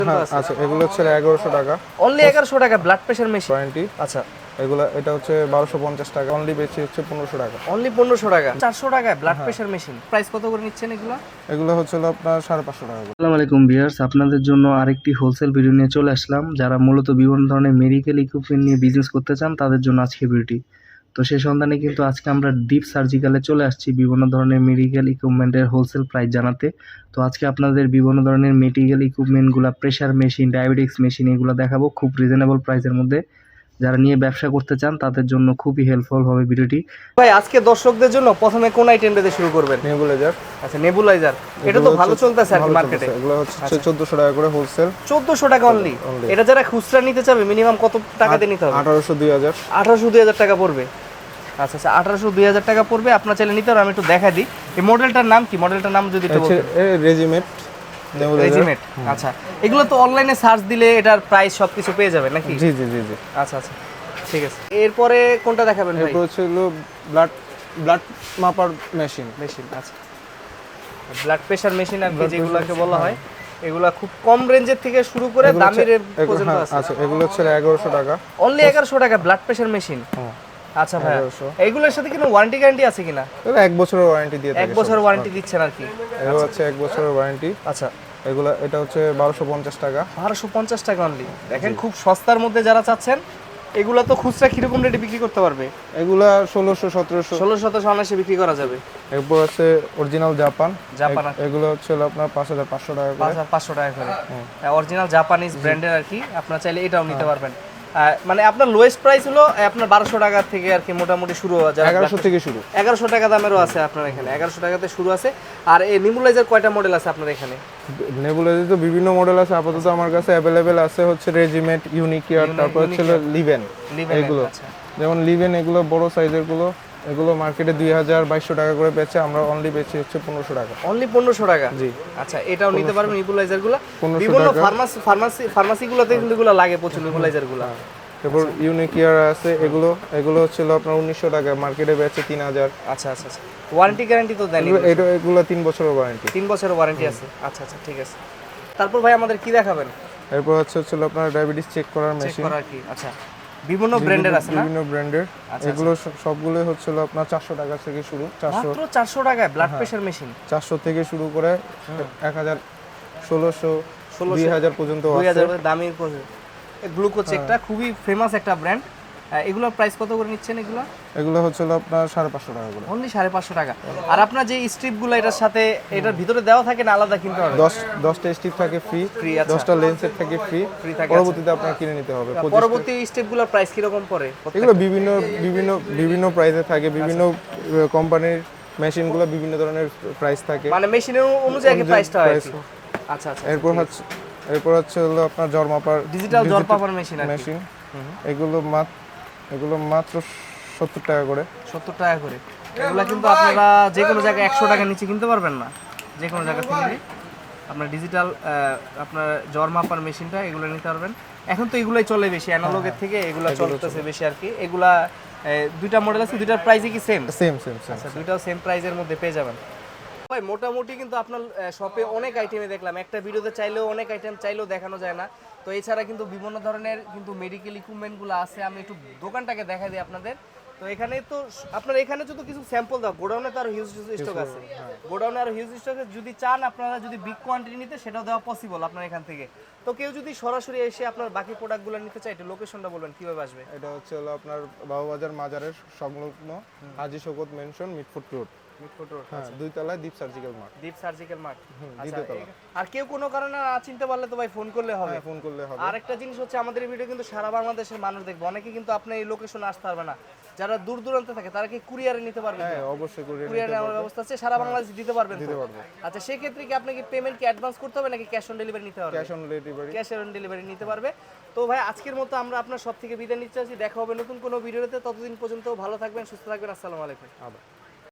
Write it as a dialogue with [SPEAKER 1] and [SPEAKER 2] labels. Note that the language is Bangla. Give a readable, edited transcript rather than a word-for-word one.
[SPEAKER 1] আচ্ছা, এগুলো হচ্ছে 1100 টাকা।
[SPEAKER 2] অনলি 1100 টাকা ব্লাড প্রেশার মেশিন।
[SPEAKER 1] ওয়ারেন্টি।
[SPEAKER 2] আচ্ছা,
[SPEAKER 1] এগুলো এটা হচ্ছে 1250 টাকা, অনলি বেশি হচ্ছে 1500 টাকা।
[SPEAKER 2] অনলি 1500 টাকা। 400 টাকায় ব্লাড প্রেশার মেশিন। প্রাইস কত করে নিচ্ছেন এগুলো?
[SPEAKER 1] এগুলো হচ্ছে আপনার 550 টাকা করে।
[SPEAKER 3] আসসালামু আলাইকুম ভিউয়ার্স, আপনাদের জন্য আরেকটি হোলসেল ভিডিও নিয়ে চলে আসলাম। যারা মূলত বিভিন্ন ধরনের মেডিকেল ইকুইপমেন্ট নিয়ে বিজনেস করতে চান তাদের জন্য আজকে ভিডিওটি। তো সেই সন্ধানে কিন্তু আজকে আমরা ডিপ সার্জিক্যালে চলে আসছি বিভিন্ন ধরনের মেডিকেল ইকুইপমেন্টের হোলসেল প্রাইস জানাতে। তো আজকে আপনাদের বিভিন্ন ধরনের মেডিকেল ইকুইপমেন্টগুলো, প্রেশার মেশিন, ডায়াবেটিক্স মেশিন এগুলো দেখাবো খুব রিজনেবল প্রাইসের মধ্যে। যারা নিয়ে ব্যবসা করতে চান তাদের জন্য খুবই হেল্পফুল হবে ভিডিওটি।
[SPEAKER 2] ভাই আজকে দর্শকদের জন্য প্রথমে কোন আইটেমটা দিয়ে শুরু করবেন?
[SPEAKER 1] নেবুলাইজার।
[SPEAKER 2] আচ্ছা, নেবুলাইজার। এটা তো ভালো চলতেছে আর কি মার্কেটে।
[SPEAKER 1] এগুলো হচ্ছে 1400 টাকা করে হোলসেল।
[SPEAKER 2] 1400 টাকা অনলি। এটা যারা খুচরা নিতে চাবে মিনিমাম কত টাকা দিয়ে নিতে হবে?
[SPEAKER 1] 1800 2000।
[SPEAKER 2] 1800 2000 টাকা পড়বে। আচ্ছা আচ্ছা, 1800 2000 টাকা পড়বে। আপনার চাইলে নিতে পারেন। আমি একটু দেখাই দিই এই মডেলটার নাম কি, মডেলটার নাম যদি একটু বলতেন।
[SPEAKER 1] রেজিমেট।
[SPEAKER 2] রেজিমেট। আচ্ছা, এগুলো তো অনলাইনে সার্চ দিলে এটার প্রাইস সবকিছু পেয়ে যাবে নাকি?
[SPEAKER 1] জি জি জি জি।
[SPEAKER 2] আচ্ছা আচ্ছা, ঠিক আছে। এরপরে কোনটা দেখাবেন ভাই?
[SPEAKER 1] এরপর হচ্ছে ব্লাড মাপার মেশিন।
[SPEAKER 2] আচ্ছা, ব্লাড প্রেশার মেশিন আর কি যেগুলোকে বলা হয়, এগুলা খুব কম রেঞ্জের থেকে শুরু করে দামি রেঞ্জ পর্যন্ত আছে।
[SPEAKER 1] আচ্ছা, এগুলো হচ্ছে 1100 টাকা।
[SPEAKER 2] অনলি 1100 টাকা ব্লাড প্রেশার মেশিন। আচ্ছা ভাই, এইগুলোর সাথে কোনো ওয়ারেন্টি গ্যারান্টি আছে কিনা?
[SPEAKER 1] এগুলো 1 বছরের ওয়ারেন্টি দিয়ে থাকে।
[SPEAKER 2] 1 বছর ওয়ারেন্টি দিচ্ছেন আর কি?
[SPEAKER 1] এগুলো হচ্ছে 1 বছরের ওয়ারেন্টি।
[SPEAKER 2] আচ্ছা,
[SPEAKER 1] এগুলো এটা হচ্ছে 1250 টাকা।
[SPEAKER 2] 1250 টাকা অনলি। দেখেন খুব সস্তার মধ্যে যারা চাচ্ছেন, এগুলা তো খুচরা কিরকম রেটে বিক্রি করতে পারবে?
[SPEAKER 1] এগুলা 1600 1700
[SPEAKER 2] 1600 অনায়াসে বিক্রি করা যাবে।
[SPEAKER 1] এরপর আছে অরিজিনাল জাপান।
[SPEAKER 2] জাপান
[SPEAKER 1] এগুলো হচ্ছে আপনার 5500 টাকা করে।
[SPEAKER 2] 5500 টাকা করে অরিজিনাল জাপানিজ ব্র্যান্ডের আর কি। আপনারা চাইলে এটাও নিতে পারবেন। মানে আপনার লোয়েস্ট প্রাইস হলো আপনার 1200 টাকা থেকে আর কি মোটামুটি শুরু হওয়া যায়।
[SPEAKER 1] 1100 থেকে শুরু।
[SPEAKER 2] 1100 টাকা দামেরও আছে আপনার এখানে। 1100 টাকাতে শুরু আছে। আর এই নেবুলাইজার কয়টা মডেল আছে আপনার এখানে?
[SPEAKER 1] নেবুলাইজার তো বিভিন্ন মডেল আছে, আপাতত আমার কাছে অ্যাভেলেবেল আছে হচ্ছে রেজিমেট, ইউনিকিয়ার, তারপর হচ্ছে লিভেন। এগুলো যেমন লিভেন, এগুলো বড় সাইজের গুলো, এগুলো মার্কেটে 2200 টাকা করে বেচে, আমরা অনলি বেচি হচ্ছে 1500 টাকা।
[SPEAKER 2] অনলি 1500 টাকা?
[SPEAKER 1] জি।
[SPEAKER 2] আচ্ছা, এটাও নিতে পারবেন নেবুলাইজার গুলো। বিভিন্ন ফার্মাসি গুলোতে কিন্তু এগুলো লাগে প্রচুর নেবুলাইজার গুলো।
[SPEAKER 1] তারপর ইউনিকিয়ার আছে, এগুলো হচ্ছে আপনার 1900 টাকা, মার্কেটে বেচে 3000।
[SPEAKER 2] আচ্ছা আচ্ছা আচ্ছা, ওয়ারেন্টি গ্যারান্টি তো দেন?
[SPEAKER 1] এগুলো 3 বছরের ওয়ারেন্টি।
[SPEAKER 2] 3 বছরের ওয়ারেন্টি আছে। আচ্ছা আচ্ছা, ঠিক আছে। তারপর ভাই আমাদের কি দেখাবেন?
[SPEAKER 1] এরপর হচ্ছে আপনার ডায়াবেটিস চেক করার মেশিন।
[SPEAKER 2] চেক করার কি? আচ্ছা, বিভিন্ন ব্র্যান্ডের আছে না?
[SPEAKER 1] বিভিন্ন ব্র্যান্ডের। এগুলো সবগুলো হচ্ছে আপনার 400 টাকা থেকে শুরু।
[SPEAKER 2] মাত্র 400 টাকায় ব্লাড প্রেশার মেশিন।
[SPEAKER 1] 400 থেকে শুরু করে 1000, 1600, 2000 পর্যন্ত আছে।
[SPEAKER 2] 2000 দামি গ্লুকো চেকটা খুবই ফেমাস একটা ব্র্যান্ড। এগুলোর প্রাইস কত করে নিচ্ছেন এগুলো?
[SPEAKER 1] এগুলো হচ্ছে আপনার 550 টাকা করে।
[SPEAKER 2] অনলি 550 টাকা। আর আপনার যে স্ট্রিপগুলো এটার সাথে এটার ভিতরে দেওয়া থাকে না, আলাদা কিনতে হবে?
[SPEAKER 1] 10টা স্ট্রিপ থাকে ফ্রি।
[SPEAKER 2] ফ্রি।
[SPEAKER 1] 10টা লেন্সের থাকে ফ্রি থাকে। পরবর্তীতে আপনার কিনে নিতে হবে।
[SPEAKER 2] পরবর্তী স্টেপগুলোর প্রাইস কি রকম পড়ে?
[SPEAKER 1] এগুলো বিভিন্ন প্রাইসে থাকে। বিভিন্ন কোম্পানির মেশিনগুলো বিভিন্ন ধরনের প্রাইস থাকে,
[SPEAKER 2] মানে মেশিনের অনুযায়ী প্রাইসটা হয়। আচ্ছা আচ্ছা।
[SPEAKER 1] এরপর হচ্ছে আপনার জ্বর মাপার
[SPEAKER 2] ডিজিটাল জ্বর মাপার মেশিন।
[SPEAKER 1] এগুলো মাত্র 70 টাকা করে।
[SPEAKER 2] 70 টাকা করে। এগুলো কিন্তু আপনারা যে কোনো জায়গায় 100 টাকা নিচে কিনতে পারবেন না। যে কোনো জায়গা থেকে আপনার ডিজিটাল আপনার জ্বর মাপার মেশিনটা এগুলো নিতে পারবেন। এখন তো এগুলাই চলে বেশি, অ্যানালগের থেকে এগুলো চলতেছে বেশি আর কি। এগুলা দুইটা মডেল আছে, দুইটার প্রাইসই কি সেম?
[SPEAKER 1] সেম।
[SPEAKER 2] আচ্ছা, দুইটাও সেম প্রাইসের মধ্যে পেয়ে যাবেন। ভাই মোটামুটি কিন্তু আপনার শপে অনেক আইটেমে দেখলাম, একটা ভিডিওতে চাইলেও অনেক আইটেম চাইলেও দেখানো যায় না। তো এছাড়া কিন্তু বিভিন্ন ধরনের কিন্তু মেডিকেল ইকুইপমেন্টগুলো আছে। আমি একটু দোকানটাকে দেখাই দিই আপনাদের। তো এখানে তো আপনার এখানে যদি কিছু স্যাম্পল দাও, গোডাউনে তো আরো হিউজ স্টক আছে। গোডাউনে আরো হিউজ স্টক আছে। যদি চান আপনারা যদি বিগ কোয়ান্টিটি নিতে, সেটাও দেওয়া পসিবল আপনার এখান থেকে। তো কেউ যদি সরাসরি এসে আপনার বাকি প্রোডাক্টগুলো নিতে চায়, একটু লোকেশনটা বলবেন কিভাবে আসবে?
[SPEAKER 1] এটা হচ্ছে আপনার বাবুবাজার মাজারের সংলগ্ন Haji Shawkat mansion, Mitford road. হ্যাঁ, 2 তলায় Deep surgical mart.
[SPEAKER 2] Deep surgical mart.
[SPEAKER 1] আচ্ছা,
[SPEAKER 2] আর কেউ কোনো কারণে না চিনতে পারলে তো ভাই ফোন করলে হবে।
[SPEAKER 1] ফোন করলে হবে।
[SPEAKER 2] আরেকটা জিনিস হচ্ছে, আমাদের এই ভিডিও কিন্তু সারা বাংলাদেশের মানুষ দেখবে। অনেকে কিন্তু আপনার এই লোকেশনে আসতে পারবে না, যারা দূর দূরান্তে থাকে তারা কি কুরিয়ারে নিতে পারবে?
[SPEAKER 1] হ্যাঁ, অবশ্যই
[SPEAKER 2] কুরিয়ারে আমার ব্যবস্থা আছে, সারা বাংলাদেশ দিতে পারবেন তো? আচ্ছা, সেই ক্ষেত্রে কি আপনাকে পেমেন্ট কি অ্যাডভান্স করতে হবে নাকি ক্যাশ অন ডেলিভারি নিতে হবে? ক্যাশ অন ডেলিভারি নিতে পারবে। তো ভাই আজকের মতো আমরা আপনার সব থেকে বিদায় নিচ্ছি। দেখা হবে নতুন কোনো ভিডিওতে। ততদিন পর্যন্ত ভালো থাকবেন, সুস্থ থাকবেন। আসসালামু আলাইকুম।